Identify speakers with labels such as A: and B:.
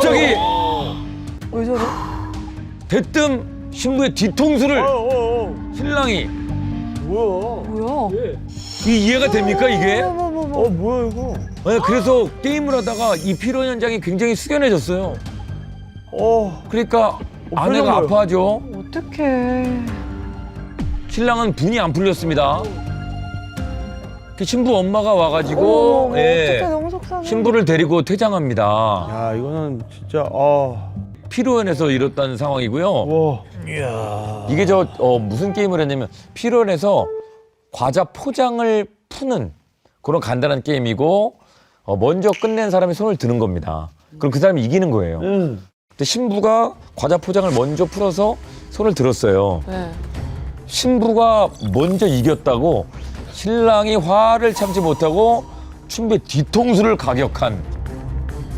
A: 갑자기
B: 왜 저래?
A: 대뜸 신부의 뒤통수를 신랑이
B: 뭐야?
A: 이해가 됩니까 이게?
C: 뭐야 이거?
A: 네, 그래서 게임을 하다가 이 피로 현장이 굉장히 숙연해졌어요. 그러니까 아내가
C: 풀린 거예요.
A: 아파하죠.
B: 어떡해.
A: 신랑은 분이 안 풀렸습니다. 그 신부 엄마가 와가지고
B: 어떡해, 너무 속상해.
A: 신부를 데리고 퇴장합니다.
C: 야 이거는 진짜
A: 피로연에서 이뤘다는 상황이고요.
C: 와.
A: 이게 무슨 게임을 했냐면 피로연에서 과자 포장을 푸는 그런 간단한 게임이고 먼저 끝낸 사람이 손을 드는 겁니다. 그럼 그 사람이 이기는 거예요. 근데 신부가 과자 포장을 먼저 풀어서 손을 들었어요.
B: 네.
A: 신부가 먼저 이겼다고 신랑이 화를 참지 못하고 신부의 뒤통수를 가격한